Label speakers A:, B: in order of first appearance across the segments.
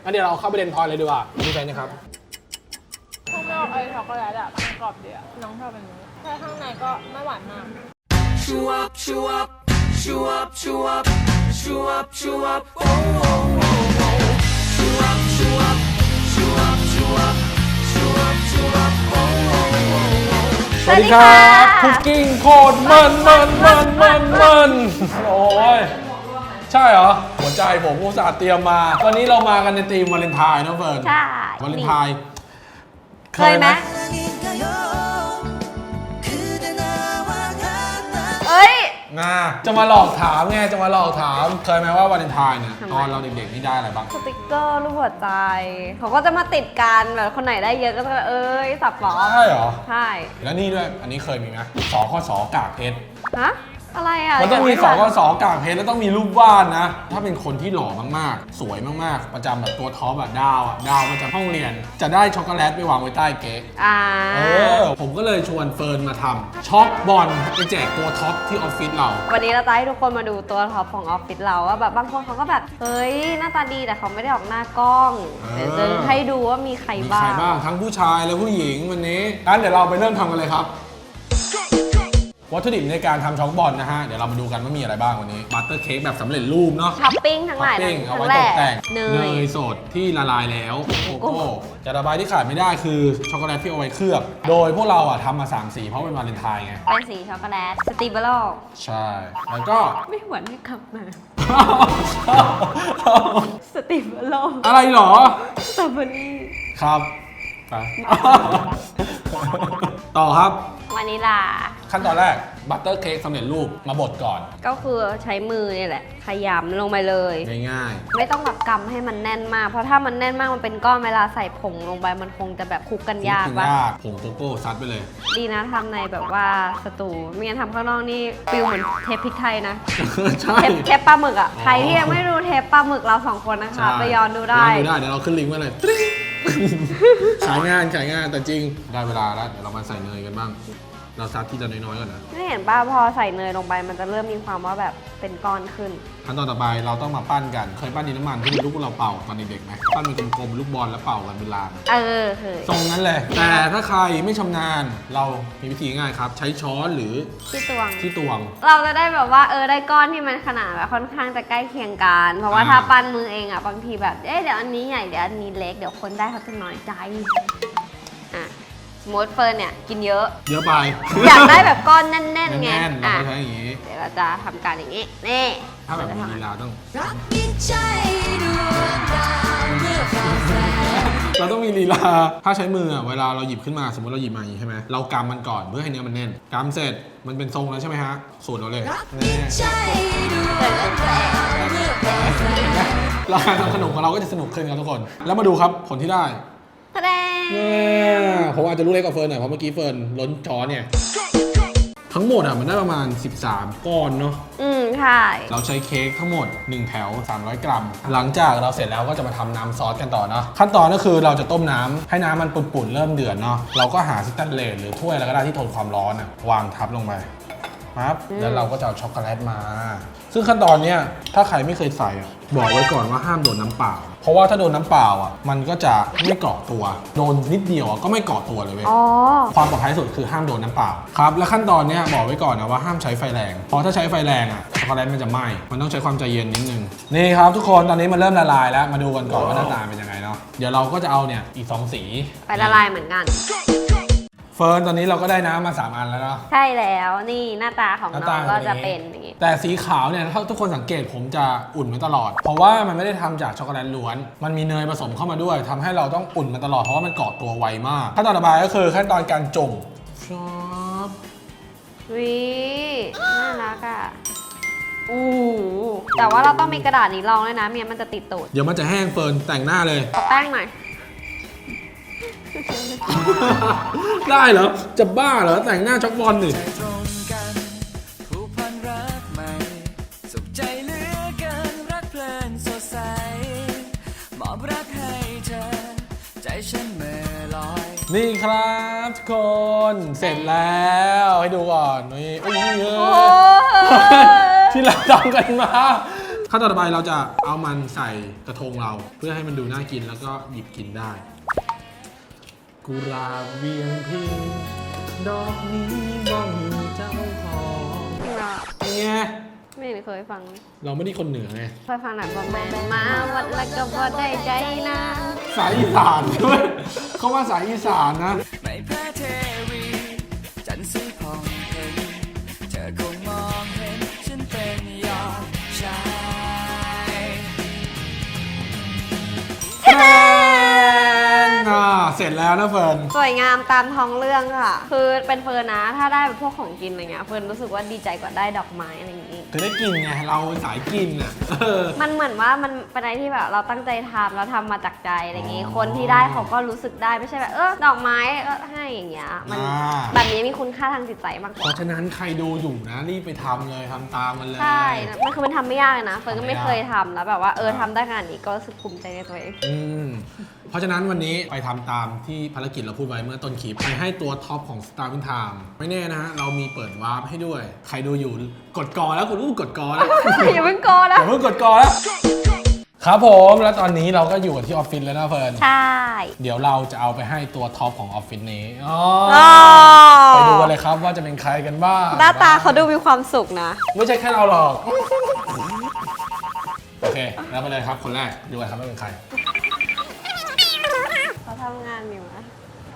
A: งั้นเดี๋ยวเราเข้าไปเรียนพอยเลยดีกว่ามีใจนะครับ
B: ข้างนอกไอ้ช็อกโกแลตอะมันกรอบดีอะน้องชอบเป็นนี้แต่ข้างในก็ไม่หวานมากชูอัพชูอัพชูอัพชูอัพชูอัพชูอัพโอ้โหชูอัพชูอัพชูอัพชูอัพชูอัพชูอัพโอ้โห
A: สวัสดีครับคุกกิ้งโคตรมันโอ้ยใช่เหรอหัวใจผมอุตส่าห์เตรียมมาวันนี้เรามากันในธีมวาเลนไทน์นะเฟิร์น
C: ใช่
A: วาเลนไทน์
C: เคยไหมเอ้ย
A: จะมาหลอกถามไงจะมาหลอกถามเคยไหมว่าวาเลนไทน์เนี่ยตอนเราเด็กๆนี่ได้อะไรบ้าง
C: สติกเกอร์รูปหัวใจเขาก็จะมาติดกันแบบคนไหนได้เยอะก็จะสับหรอ
A: ใช่เหรอ
C: ใช่
A: แล้วนี่ด้วยอันนี้เคยมีไหมสคสกากเพชร
C: ฮะอะไรอ่ะ
A: มันต้องมีสคสกากเพชรแล้วต้องมีรูปวาดนะถ้าเป็นคนที่หล่อมากๆสวยมากๆประจำแบบตัวท็อปแบบดาวประจำห้องเรียนจะได้ช็อกโกแลตไปวางไว้ใต้เค้กผมก็เลยชวนเฟิร์นมาทำช็อกบอลไปแจกตัวท็อปที่ออฟฟิศเรา
C: วันนี้เราจะให้ทุกคนมาดูตัวท็อปของออฟฟิศเราว่าแบบบางคนเขาก็แบบเฮ้ยหน้าตาดีแต่เขาไม่ได้ออกหน้ากล้องเดี๋ยวจะให้ดูว่ามีใครบ้าง
A: ทั้งผู้ชายและผู้หญิงวันนี้งั้นเดี๋ยวเราไปเริ่มทำกันเลยครับวัตถุดิบในการทำช็อกบอลนะฮะเดี๋ยวเรามาดูกันว่ามีอะไรบ้างวันนี้บัตเตอร์เค้กแบบสำเร็จรูปเนาะ
C: ท็อปปิ้งทั้งหลาย
A: เอาไว้ตกแต่งเนยสดที่ละลายแล้วโกโก้จะระบายที่ขาดไม่ได้คือช็อกโกแลตที่เอาไว้เคลือบโดยพวกเราทำมา3 สีเพราะเป็นวาเลนไทน์ไง
C: เป็นสีช็อกโกแลตสตรีเบอร์
A: ใช่แล้วก็
C: ไม่หวนให้ขับมาสตรีเบอร์
A: อะไรหรอ
C: สตรอเบอรี่
A: ครับไปต่อครับ
C: วานิลา
A: ขั้นตอนแรกบัตเตอร์เค้กสำเร็จรูปมาบดก่อน
C: ก็คือใช้มือนี่แหละขยำลงไปเลย
A: ง่าย
C: ๆไม่ต้องแบบกำให้มันแน่นมากเพราะถ้ามันแน่นมากมันเป็นก้อนเวลาใส่ผงลงไปมันคงจะแบบคลุกกันยาก
A: ผงโกโก้ซัดไปเลย
C: ดีนะทำในแบบว่าสตูไม่งั้นทำข้างนอกนี่ฟิลเหมือนเทปพริกไทยนะเทปปลาหมึกอ่ะใครที่ยังไม่รู้เทปปลาหมึกเรา2 คนนะคะไปย้อนดูได้
A: เดี๋ยวเราขึ้นลิงก์ไว้เลยขายงานแต่จริงได้เวลาแล้วเดี๋ยวเรามาใส่เนยกันบ้างเราซับที่จะน้อยๆก่อนนะ
C: ไม่เห็นป่ะพอใส่เนยลงไปมันจะเริ่มมีความว่าแบบเป็นก้อนขึ้น
A: ขั้นตอนต่อไปเราต้องมาปั้นกันเคยปั้นดินน้ำมันที่เป็นลูกเราเป่าตอนเด็กๆไหมปั้นเป็นกลมๆลูกบอลแล้วเป่ากันเป็นลาง
C: เคย
A: ทรงนั้นเลยแต่ถ้าใครไม่ชำนาญเรามีวิธีง่ายครับใช้ช้อนหรือ
C: ที่ตวง
A: เรา
C: จะได้แบบว่าได้ก้อนที่มันขนาดแบบค่อนข้างจะใกล้เคียงกันเพราะว่าถ้าปั้นมือเองอ่ะบางทีแบบเดี๋ยวอันนี้ใหญ่เดี๋ยวอันนี้เล็กเดี๋ยวคนได้เขาจะน้อยใจสมมติเฟิร์นเนี่ยกินเยอะ
A: ไป
C: อยากได้แบบก้อนแน่นๆไง
A: เราใช้อย่างนี้
C: เดี๋ยวเราจะทำการอย่างนี้นี่
A: ถ้าแบบมีลีลาต้องเราต้องมีลีลาถ้าใช้มือเวลาเราหยิบขึ้นมาสมมติเราหยิบมาอย่างนี้ใช่ไหมเรากำมันก่อนเพื่อให้เนื้อมันแน่นกำเสร็จมันเป็นทรงแล้วใช่ไหมฮะสูตรเราเลยเราการทำขนมของเราก็จะสนุกขึ้นครับทุกคนแล้วมาดูครับผลที่ได้ผมอาจจะรู้เล็กกว่าเฟิร์นหน่อยเพราะเมื่อกี้เฟิร์นล้นช้อนเนี่ยทั้งหมดมันได้ประมาณ13 ก้อนเนาะ
C: ใช่
A: เราใช้เค้กทั้งหมด1 แถว300 กรัมหลังจากเราเสร็จแล้วก็จะมาทำน้ำซอสกันต่อเนาะขั้นตอนก็คือเราจะต้มน้ำให้น้ำมันปุ่นๆเริ่มเดือดเนาะเราก็หาสแตนเลสหรือถ้วยอะไรก็ได้ที่ทนความร้อนวางทับลงไปครับแล้วเราก็จะเอาช็อกโกแลตมาซึ่งขั้นตอนนี้ถ้าใครไม่เคยใส่บอกไว้ก่อนว่าห้ามโดนน้ำเปล่าเพราะว่าถ้าโดนน้ำเปล่ามันก็จะไม่เกาะตัวโดนนิดเดียวก็ไม่เกาะตัวเลยเว้ยความปลอดภัยสุดคือห้ามโดนน้ำเปล่าครับและขั้นตอนนี้บอกไว้ก่อนนะว่าห้ามใช้ไฟแรงเพราะถ้าใช้ไฟแรงช็อกโกแลตมันจะไหม้มันต้องใช้ความใจเย็นนิดนึงนี่ครับทุกคนตอนนี้มันเริ่มละลายแล้วมาดูกันก่อนว่าหน้าตาเป็นยังไงเนาะเดี๋ยวเราก็จะเอาเนี่ยอีก2 สี
C: ไปละลายเหมือนกัน
A: เฟิร์นตอนนี้เราก็ได้น้ำมา3 อันแล้วเนาะ
C: ใช่แล้วนี่หน้าตาของน้องก็จะเป็นอย่างนี้
A: แต่สีขาวเนี่ยถ้าทุกคนสังเกตผมจะอุ่นมาตลอดเพราะว่ามันไม่ได้ทำจากช็อกโกแลตล้วนมันมีเนยผสมเข้ามาด้วยทำให้เราต้องอุ่นมาตลอดเพราะว่ามันเกาะตัวไวมากขั้นตอนต่อไปก็คือขั้นตอนการจุ่ม
C: น่ารักอ่ะแต่ว่าเราต้องมีกระดาษนี้รองด้วยนะเมียมันจะติดตูด
A: เดี๋ยวมันจะแห้งเฟิร์นแต่งหน้าเลย
C: แป้งหน่อย
A: ได้เหรอจะบ้าเหรอแต่งหน้าช็อกบอลดินี่ครับทุกคนเสร็จแล้วให้ดูก่อนนี่ที่เราทำกันมาขั้นตอนต่อไปเราจะเอามันใส่กระทงเรา เพื่อให้มันดูน่ากินแล้วก็หยิบกินได้กุหลาบเวียงพิงดอกนี้บ้องเจ้าของไง
C: ไม่เคยฟัง
A: เราไม่ได้คนเหนือไง
C: เคยฟังหนังบอมแมนมาวัดแล้วก็บอได้ใจนะ
A: สายอีสานด้วยเขาว่าสายอีสานนะ
D: ไม่แพ้เทวีจันทร์สีผ่องเพ็ญเธอคงมองเห็นฉันเป็นยอดชาย
A: เสร็จแล้วนะเฟิร์น
C: สวยงามตามท้องเรื่องค่ะ คือเป็นเฟิร์นนะ ถ้าได้แบบพวกของกินอะไรเงี้ย เฟิร์นรู้สึกว่าดีใจกว่าได้ดอกไม้อะไรอย่างงี้
A: คือได้กินไง เราสายกินอ่ะ
C: มันเหมือนว่ามันเป็นอะไรที่แบบเราตั้งใจทำเราทำมาจากใจอะไรอย่างงี้
A: อ๋อ
C: คนที่ได้เขาก็รู้สึกได้ไม่ใช่แบบดอกไม้ให้อย่างเงี้ย มัน
A: อ่า
C: แบบนี้มีคุณค่าทางจิตใจมากก
A: เพ
C: ว่า
A: ราะฉะนั้นใครดูอยู่นะ รีบไปทำเลยทำตามมันเลย
C: ใช่มันคือมันทำไม่ยากเลยนะ เฟิร์นก็ไม่
A: ทำไม่ยาก
C: เคยทำแล้วแบบว่าทำได้ขนาดนี้ก็รู้สึกภูมิใจในตัวเอง
A: อืมเพราะฉะนั้นวันนี้ไปทำตามที่ภารกิจเราพูดไว้เมื่อต้นคลิป ไปให้ตัวท็อปของ Star Win Time ไม่แน่นะฮะ เรามีเปิดวาร์ปให้ด้วย ใครดูอยู่กดกอแล้วกดกอแล้ว
C: อย่าเพิ่งโก
A: อ
C: นะ
A: ย่าเพิ่งกดกอแล้ว ครับผมแล้วตอนนี้เราก็อยู่กันที่ออฟฟิศแล้วนะเฟิร์น
C: ใช่
A: เดี๋ยวเราจะเอาไปให้ตัวท็อปของออฟฟิศนี้
C: อ๋อ
A: ไปดูกันเลยครับว่าจะเป็นใครกันบ้าง
C: หน้าตาเขาดูมีความสุขนะ
A: ไม่ใช่แค่เราหรอก โอเค แล้วไปเลยครับคนแรกดูกันครับว่าเป็นใคร
C: เขาทำงานอยู่นะ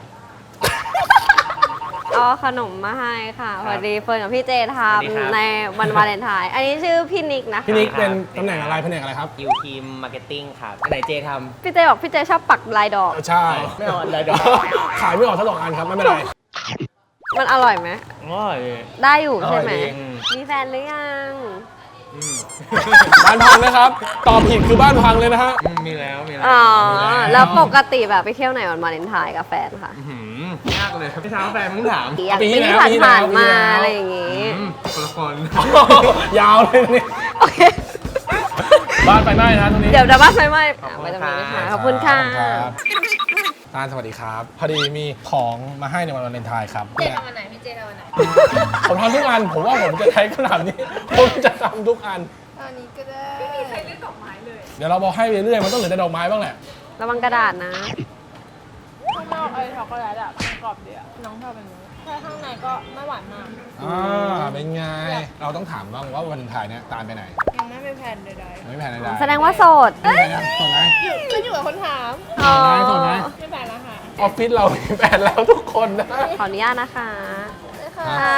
C: เอาขนมมาให้ค่ะพอดีเฟิร์นกับพี่เจทำในวันวาเลนไทน์อันนี้ชื่อพี่นิกนะคะ
A: พี่นิกเป็นตำแหน่งอะไรแผนกอะไรครับ
E: ยูทีมมาร์เก็ตติ้งครับอันไหนเจท
C: พี่เจบอกพี่เจชอบปักลายดอก
A: ใช่
E: ำไม่เอาอะไรดอก
A: ขายไม่ออกทั้งสองอันครับ ไม่เป็นไร
C: มันอร่อยไหม
E: ง่อย
C: ได้อยู่ใช่ไหม
E: อร่อยดี
C: มีแฟนหรือยัง
A: บ้านพังนะครับ ตอบผิดคือบ้านพังเลยนะฮะ
E: มีแล้วมีแล้ว
C: อ๋อ
A: มีแล้ว
C: แล้วปกติแบบไปเที่ยวไหนวันวาเลนไทน์กับแฟนค่ะ
E: ยากเลยพี่เช้าแฟนมึงถาม
C: อย่าง
A: ปี
C: ปี
A: ที่
C: ที่
A: แล้วปีที่
C: ผ่าน
A: แล้ว
C: ๆมา
A: ปีที่แล้ว
C: อะไรอย่างงี้
E: คนละคน
A: ยาวเลยนี่
C: โอเค
A: บ้านไฟไหม้นะตรงนี้
C: เดี๋ยวบ้านไฟไหม้ไม่ต้องมีค่ะขอบคุณค่ะ
A: รับตาลสวัสดีครับ พอดีมีของมาให้ในวันวาเลนไทน์ครับ
B: เจทำวันไหนพี่เจทำวันไหน
A: ผมทำทุกอัน ผมว่าผมจะใช้ขนาดนี้ ผมจะทำทุกอัน
B: ตอนนี้ก็ได้ไม่มีใครเลือกดอกไม้เลย
A: เดี๋ยวเราบอกให้ไปเรื่อยๆมันต้องเหลือแต่ดอกไม้บ้างแหละ
C: ระวังกระดาษนะ
B: ข้างนอกช็อกโกแลตอะมันกรอบดีอะน้องชอบเป็นนี้ใช่ข้างในก็ไม่หวานมาก
A: เป็นไง เราต้องถามบ้างว่าวันวาเลนไทน์เนี่ยตาลไปไหน
B: ยังไม่มีแผนใด
A: ไม่แพ้ใดๆ
C: แสดงว่าโสด
A: ไม่แพ้นะส่วนไหน
B: ๆขึ้นอยู่กับคนถาม
C: อ๋อ
A: ส่วนไหน
B: ไม่แผนแล้วค่ะ
A: ออฟฟิศเรามีแฟนแล้วทุกคนนะ
C: ขออนุญาตนะคะ
B: ค่ะ
C: ค่ะ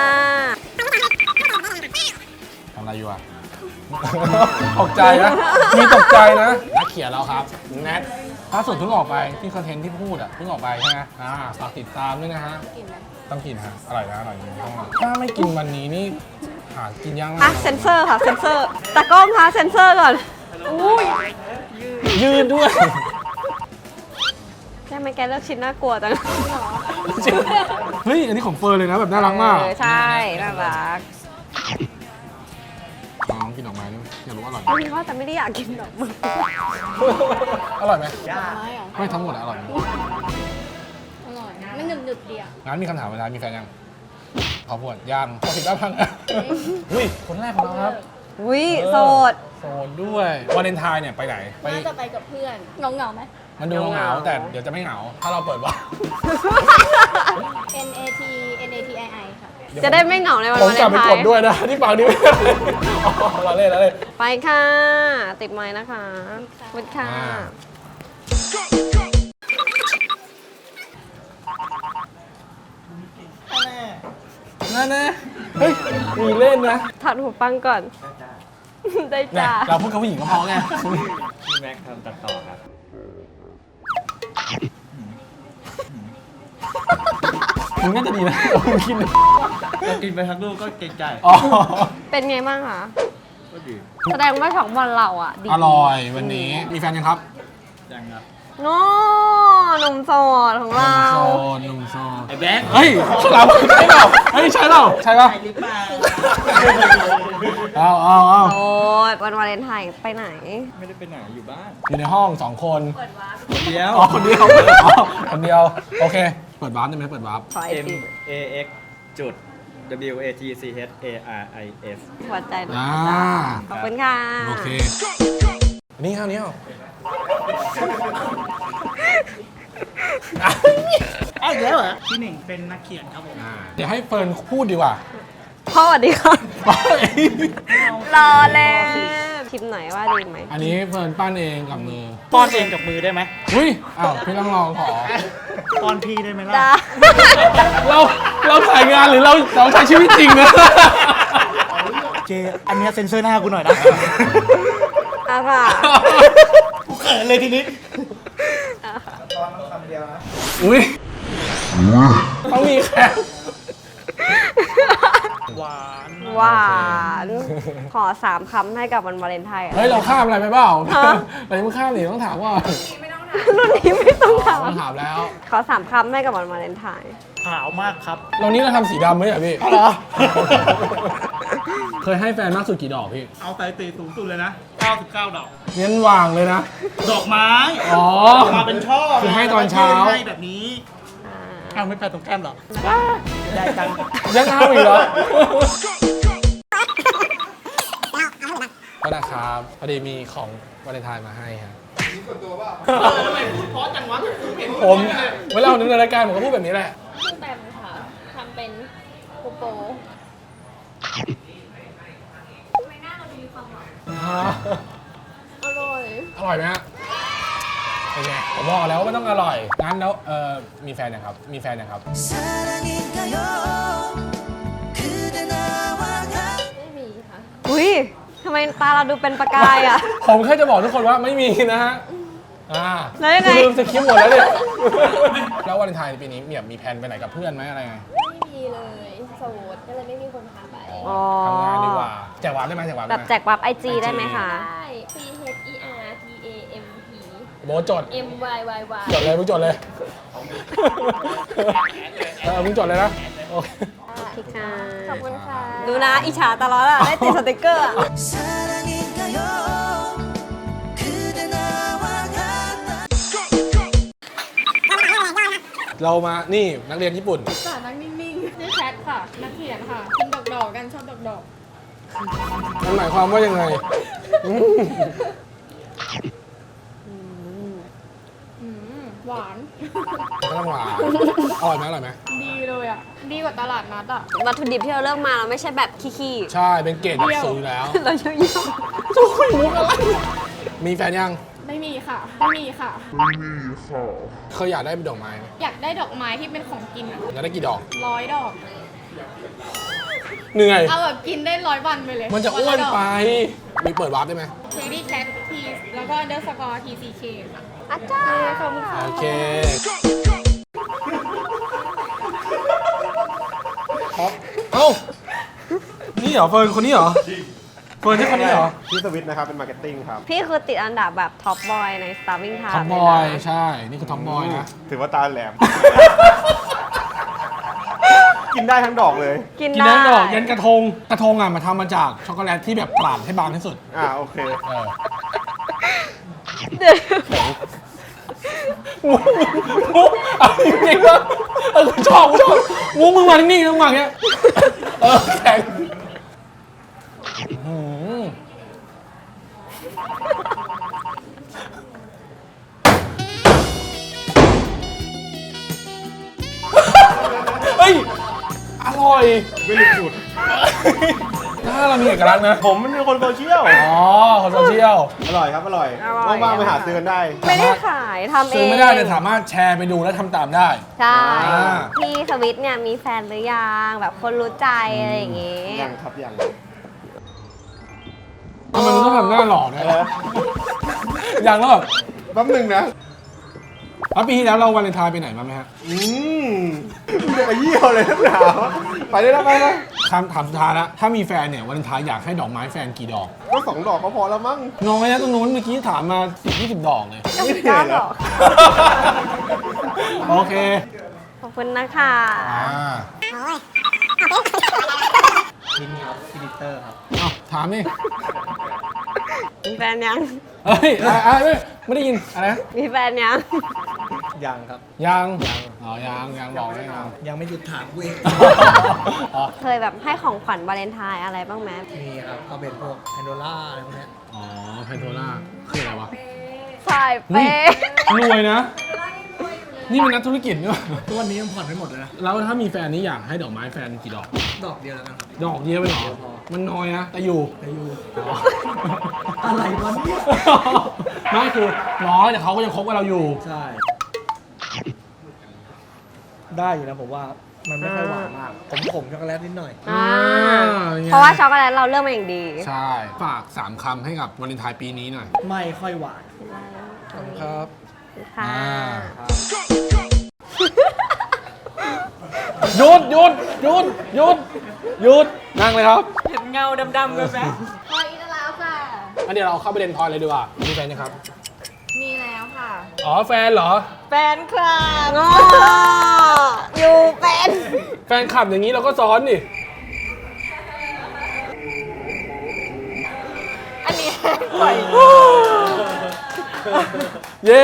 A: ทำอะไรอยู่อ่ะ ตกใจนะ มีตกใจนะนักเขียนเราครับแนทล่าสุดเพิ่งออกไปที่คอนเทนต์ที่พูดอ่ะเพิ่งออกไปใช่ไหมฝากติดตามด้วยนะฮะ ต้องกินฮะ อร่อยนะอร่อยจริงถ้าไม่กินวันนี้นี่หากินยากมา
C: อ่ะ
A: ก
C: เซนเซอร์ค่ะ เซนเซอร์ตากล้องคะเซนเซอร์ก่อน อุ้ย
A: ยืดด้วย
C: ทำไมแกเลือกชิ้นน่ากลัวจัง
A: เฮ้ย อันนี้ของเฟิร์นเลยนะ แบบน่ารักมาก
C: ใช่น่ารัก
A: น้องกินออกมาด้วยอยากรู้ว่าอร่อยไหม
C: คิดว่าแต่ไม่ได้อยากกินดอกไม้
A: อร่อยไหม
B: ไม้เหรอ
A: ไม่ทั้งหมดอะอร่อยไหม
B: อร่อยมันหนึบๆดีอะ
A: งั้นมีคำถามเวลามีแฟนยังขอพูดยังขอผิดบ้างพังอุ้ย คนแรกของเราครับ
C: อุ้ยโสด
A: โซนด้วยวาเลนไทน์เนี่ยไปไหน ไป
B: น่าจะไปกับเพื่อนเหงาไหม
A: มันดูเหงาๆแต่เดี๋ยวจะไม่เหงา ถ้าเราเปิดว่า
B: NAT NATII ค่ะ
C: จะได้ไม่เหงาในวัน
A: ผม
C: วาเล
A: กลับ
C: น
A: ไป
C: ไท
A: กด
C: น์
A: ด้วยนะ ที่ฝั่งนี้ไม่ได้อ๋อเราเล่นเราเล่น
C: ไปค่ะ ติดไม้นะคะขอบคุณค่ะ
A: อ่า นั่นนะเฮ้ย มีเล่นนะ
C: ถอดหูฟังก่อน ได้
A: เนี่ย
C: จ้า
A: เราพูดกับผู้หญิงก็พอไง
E: พี่แม็กทำตัดต่อครับ
A: มึงน่าจะดีนะมึงคิดเลย
E: เรากินไปทั้งลูกก็เกรงใจ
A: อ๋อ
C: เป็นไงบ้างคะ
E: ก็ดี
C: แสดงว่าของบอลเราอ่ะดี
A: อร่อยวันนี้ มีแฟนยังครับ
E: ยังครับ
C: โน้หนุ่มโสดของเรา
A: หนุ่มโซน
E: ไอ้แบ็ค
A: เฮ้ยฉลามใช่เปล่าเฮ้ยใช่เปล่าใช่ป่ะ
E: หรือเปล่า
A: เอา
C: โสดวันวาเลนไทน์ไปไหน
E: ไม่ได้ไปไหนอยู่บ้าน
A: อยู่ในห้อง2 คน
E: คนเดียว
A: อ๋อคนเดียวอ๋อคนเดียว โอเค เปิดวาร์ปได้ไหมเปิดวาร์ป
C: ขอไอ
E: M
C: จี
E: A X จุด W A T C H A R I S
C: หัวใจหน่อย
A: อ่า
C: ขอบคุณค่ะ
A: โอเค นี่เอานี่เอา
F: เอ้ยแล้วเหรอพี่หนึ่งเป็นนักเขียนครับผม
A: เดี๋ยวให้เฟิร์นพูดดีกว่า
C: พ่อสวัสดีค่ะ รอเลยชิมหน่อยว่าดีไหม
A: อันนี้เฟิร์นปั้นเองกับมือ
F: ป้อนเองกับมือได้ไหม
A: อุ้ยอ้าวพี่ต้องลองขอ
F: ป้อนพี่ได้ไหมล่ะ
C: จ้า
A: เราถ่ายงานหรือเราใช้ชีวิตจริงนะ
F: เจ อันเนี้ยเซ็นเซอร์หน้ากูหน่อยนะ
C: อ่ะค่ะ
F: กูเขินเลยทีนี้
A: อุ้ยต้องมีแค่
F: หวาน
C: หวาน ขอ3 คำให้กับวันวาเลนไทน์อะ
A: เฮ้ย เราข้ามอะไรไปเปล่า
C: ฮะ
A: เรายังไม่ข้ามนี่ต้องถามว่า
C: รุ่นนี้ไม่ต้องถาม
A: ต้องถามแล้ว
C: ขอ3 คำให้กับวันวาเลนไทน์
F: ขาวมากครับ
A: เรานี้เราทำสีดำไหมอ่ะพี่
F: เหรอ
A: เคยให้แฟนมากสุดกี่ดอกพี่
F: เอาไตตีสูงสุดเลยนะ 99 ดอก
A: เน้นวางเลยนะ
F: ดอกไม้
A: อ๋อ
F: มาเป็นช่อ
A: คือให้ตอนเช้า
F: ให้แบบนี้เอาไม่ไปตรงแก้มหรอ ได้จัง
A: ยังเอาอีกเหรอ ก็นะครับพอดีมีของวาเลนไทน์มาให้ครับ
F: ทำไมพูดเพราะจังวะ
A: ผมเวลาผมดำเนินรายการผมก็พูดแบบนี้แหละ
B: ชื่อแบมค่ะทำเป็นโกโป อร่อย
A: อร่อยไหมฮะเป็นไงผมบอกแล้วว่ามันต้องอร่อย งั้นแล้วมีแฟนยังครับ มีแฟนยังครับ
B: ไม่มีค่ะ
C: อุ้ยทำไมตาเราดูเป็นประกายอ่ะ
A: ผมแค่จะบอกทุกคนว่าไม่มีนะฮะ
C: แล้วยังไง
A: ลืมสคริปต์หมดแล้วเนี่ย แล้ววาเลนไทน์ปีนี้มีแผนไปไหนกับเพื่อนไหมอะไรไง
B: ไม่มีเลยโสดก็เลยไม่มีคนพาไป
C: อ๋อ
A: ทำงานดีกว่า แจกวาร์ปได้ไหมแจกวาร์ป
C: แบ
A: ได้
C: บ
A: ไหม
C: แจกวับ IG ได้ไหมคะ
B: ใช่ C H E R T A M P
A: โบทจด
B: M Y Y Y
A: จดเลยมึงจดเลยมึงจดเลยนะ โอเค
C: โอเคค่ะ
B: ขอบคุณค่ะ
C: ดูนะอิจฉาตลอดอ่ะ ได้ติดสติกเกอร์อะ
A: เรามา นี่นักเรียนญี่ปุ่น
B: สานักนิ่งๆชื่อแคทค่ะ นักเขียนค่ะกินดอกๆกันชอบดอก
A: มันหมายความว่ายังไง
B: ๆหวาน
A: ก็ต้องหวานอร่อยไหมอร่อยไหม
B: ดีเลยอ่ะ ดีกว่าตลาดนัดอ่ะ
C: วัตถุดิบที่เราเลือกมาเราไม่ใช่แบบขี้
A: ใช่ เป็นเกรดแบบสูงอยู่แล้ว
C: ๆ เราเยอะ
A: โอ้ยมุกอะไร มีแฟนยัง
B: ไม่มีค่ะ ไม่มีค่ะ
A: เคยอยากได้เป็นดอกไม้ไหม
B: อยากได้ดอกไม้ที่เป็นของกินอ่ะ
A: อยากได้กี่ดอก
B: 100 ดอก
A: เหนื่อย
B: เอาแบบกินได้100 วันไปเลย
A: มันจะอ้วนไป มีเปิดวาร์ปได้ไหม
B: เชอรี่แคททีแล้วก็ underscore TCK ค่ะ
C: ๆอาจารย์
B: ขอบคุณค่ะ
A: โอเคเอ้า นี่เหรอเฟิร์นคนนี้เหรอ เฟิร์นใช่คนนี้เหรอ
G: พี่สวิตนะครับ เป็นมาร์เก็ตติ้งครับ
C: พี่คือติดอันดับแบบท็อปบอยใน Starving
A: ท็อ
C: Time
A: ปบอย ใช่ นี่คือท็อปบอยนะ
G: ถือว่าตาแหลม กินได้ทั้งดอกเลย
C: กิน
A: กิน
C: ได้
A: ได้ดอกยันกระทง กระทงอ่ะมาทำมาจากช็อกโกแลตที่แบบปราดให้บางที่สุด
G: โอเค
A: เออ
C: เดี๋ยว
A: มุกเอาจริงๆว่ากูชอบมุกมึงมานิ่งๆมึงมาอย่างเงี้ยแข็งหืมเฮ้ย อร่อย
G: ไม่รู้จุด
A: ถ้าเรามีเอกลักษณ์นะ
G: ผมมันเป็นคนโซเชียล
A: อ๋อคนโซเชียล
G: อร่อยครับ อร่อย ว่างๆไปหาซื้อกันได้
C: ไม่ได้ขายทำเอง
A: ซื้อไม่ได้แต่สามารถแชร์ไปดูและทำตามได้
C: ใช่
A: อ่า
C: พี่สวิตเนี่ยมีแฟนหรือยังแบบคนรู้ใจอะไรอย่างงี้
G: ยังครับยัง
A: ทำไมมึงต้องทำหน้าหล่อด้วย
G: เออ
A: อย่างแล้วแบบ
G: แป๊บหนึ่งนะ
A: แล้วปีที่แล้วเราวาเลนไทน์ไปไหนมาไหมฮะ
G: จะไปเยี่ยวเลยทั้งหนาวไปได้แล้วไปเลย
A: ถามสุดท้ายละถ้ามีแฟนเนี่ยวาเลนไทน์อยากให้ดอกไม้แฟนกี่ดอก
G: ก็2 ดอกก็พอแล้วมั้ง
A: น้อยนะตรงนู้นเมื่อกี้ถามมา10-20 ดอกเลย
G: ไม่เหนื่อย
C: 99
G: แล้
C: ด
G: ว
C: อก
A: โอเค
C: ขอบคุณนะคะ
F: ลิงครับพิลิเตอร์ครับ
A: เอาถามนี่
C: มีแฟนยัง
A: เฮ้ยไม่ได้ยินอะไรนะ
C: มีแฟนยัง
F: ยังครับ
A: ยัง
F: ยัง
A: อ๋อยังบอกไม่ยัง
F: ยังไม่หยุดถามกูเอง
A: อ๋อ
C: เคยแบบให้ของขวัญวาเลนไทน์อะไรบ้างไหม
F: มีครับก็เป็นพวกแอนโดล่าอะไรพวกเนี้ย
A: อ๋อเพนโทล่าคืออะไรวะ
C: ใช่
A: นี่
C: เป๊ะ
A: รวยนะ นี่เป็นนักธุรกิจเนี่ย
F: ทุกวันนี้ยังผ่อนไม่หมดเลยนะ
A: แล้วถ้ามีแฟนนี่อยากให้ดอกไม้แฟนกี่ดอก
F: ดอกเดียวแล้วกันครับ
A: ดอกเดียวไปหรอ มันน้อยนะ แต่อยู่
F: ไปอยู่ อะไรวะเนี่ย
A: ไม่คือน้อยแต่เขาก็ยังคบกับเราอยู่
F: ใช่ ได้อยู่นะผมว่ามันไม่ค่อยหวานมาก ผมช็อกโกแลตนิดหน่อย
C: อ่า
A: ไง
C: เพราะว่าช็อกโกแลตเราเลือกมาอย่างดี
A: ใช่ ฝาก 3 คำให้กับวาเลนไทน์ปีนี้หน่อย
F: ไม่ค่อยหวาน
A: ครับ
C: ค่ะ
A: หยุดนั่งเลยครับ
B: เห็นเงาดำๆเลยไหม
C: พออีกแล้วค่ะ
A: อันเดี๋ยวเราเข้าประเด็นพลอยเลยดีกว่า มีแฟนนะครับ
C: มีแล้วค่ะ
A: อ๋อแฟนเหรอ
B: แฟนคลับ
C: ง้ออยู่เป็น
A: แฟนขับอย่างนี้เราก็ซ้อนดิ
B: อันนี้ปล่อย
A: เย้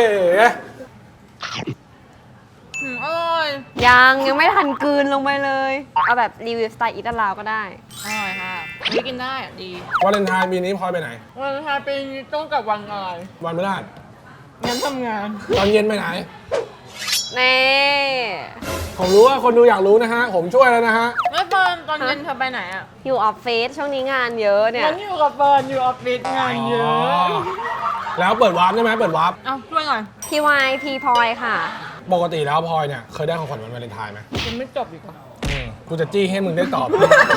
B: อร่อย
C: ยังไม่ทันกลืนลงไปเลย เอาแบบรีวิวสไตล์อิตาลาวก็ได้
B: อร่อยค่ะนี่กินได้อ่ะดี
A: วาเลนไทน์ปีนี้พลอยไปไหน
B: วันไทายปีนี้ต้องกับวันอะไร
A: วันพฤหัส
B: งั้นทำงาน
A: ตอนเย็นไปไหน
C: นี่
A: ผมรู้ว่าคนดูอยากรู้นะฮะ ผมช่วยแล้วนะฮะ
B: แล้วตอนเย็นเธอไปไหนอ่ะ
C: อยู่ออฟฟิศช่วงนี้งานเยอะเนี่ย
B: งั้นอยู่กับเฟิร์นอยู่ออฟฟิศงานเยอะ
A: แล้วเปิดวาร์ปได้ไหมเปิดวาร์ป
B: เอาช่วยหน่อย
C: พีวายพีพลอยค่ะ
A: ปกติแล้วพลอยเนี่ยเคยได้ของขวัญวันวาเลนไทน์ไหม
B: ยังไม่จบอีกเหรอ
A: กูจะจี้ให้มึงได้ตอบ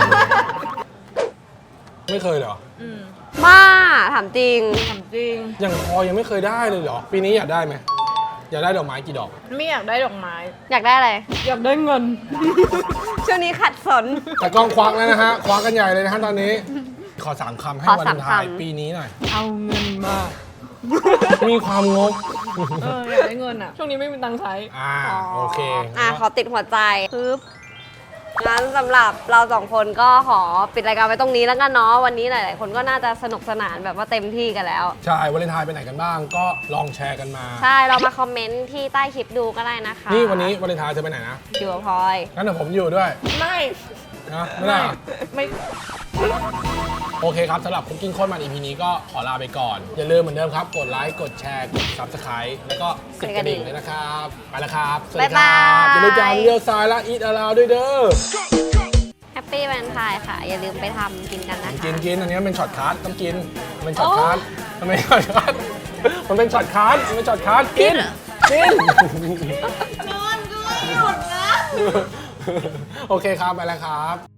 A: ไม่เคยเหรอ
B: อืม
C: บ้า ถามจริง
B: ถามจริง
A: อย่างพลอยยังไม่เคยได้เลยเหรอ ปีนี้อยากได้ไหม อยากได้ดอกไม้กี่ดอก
B: ไม่อยากได้ดอกไม้
C: อยากได้อะไร
B: อยากได้เงิน
C: ช่วงนี้ขัดสน
A: แต่กล้องควักแล้วนะฮะ ควักกันใหญ่เลยนะฮะตอนนี้ ขอ3 คำให้
C: ขอ
A: วา
C: สา
A: เล
C: ม
A: นไทน์
C: คำ
A: ปีนี้หน่อย
B: เอาเงินมา
A: มีความงก
B: อยากได้เงินอ่ะ ช่วงนี้ไม่มีตังค์ใช้
A: โอเค
C: ขอติดหัวใจปึ๊บงั้นสำหรับเราสองคนก็ขอปิดรายการไว้ตรงนี้แล้วกันเนาะ วันนี้หลายๆคนก็น่าจะสนุกสนานแบบว่าเต็มที่กันแล้ว
A: ใช่ วาเลนไทน์ไปไหนกันบ้าง ก็ลองแชร์กันมา
C: ใช่ เรามาคอมเมนต์ที่ใต้คลิปดูก็ได้นะคะ
A: นี่วันนี้วาเลนไทน์เธอไปไหนนะ
C: อยู่กับพลอย
A: งั้นเดี๋ยวผมอยู่ด้วย
B: ไม่
A: นะไม่ได้เหรอ
B: ไม่
A: โอเคครับสำหรับคุกกิ้งโคตรมัน EP นี้ก็ขอลาไปก่อน อย่าลืมเหมือนเดิมครับ กดไลค์ กดแชร์ กด Subscribe แล้วก็กดกระดิ่งด้วยนะครับ ไปแล้วครับ สวัสดีครับ
C: บ๊ายบาย
A: อย่าลืมจานเลี้ยวซ้ายและอีทอลาวด้วยเด้อ
C: แฮปปี้วันไทน์ค่ะ อย่าลืมไปทำกินกันนะคะ
A: กินอันนี้มันเป็นช็อตคัทต้องกินมันเป็นช็อตคัทมันเป็นช็อตคัทมันเป็นช็อตคัทมันเป็นช็อตคัทกินนอนด้วยหยุดนะโอเคครับไปแล้วครับ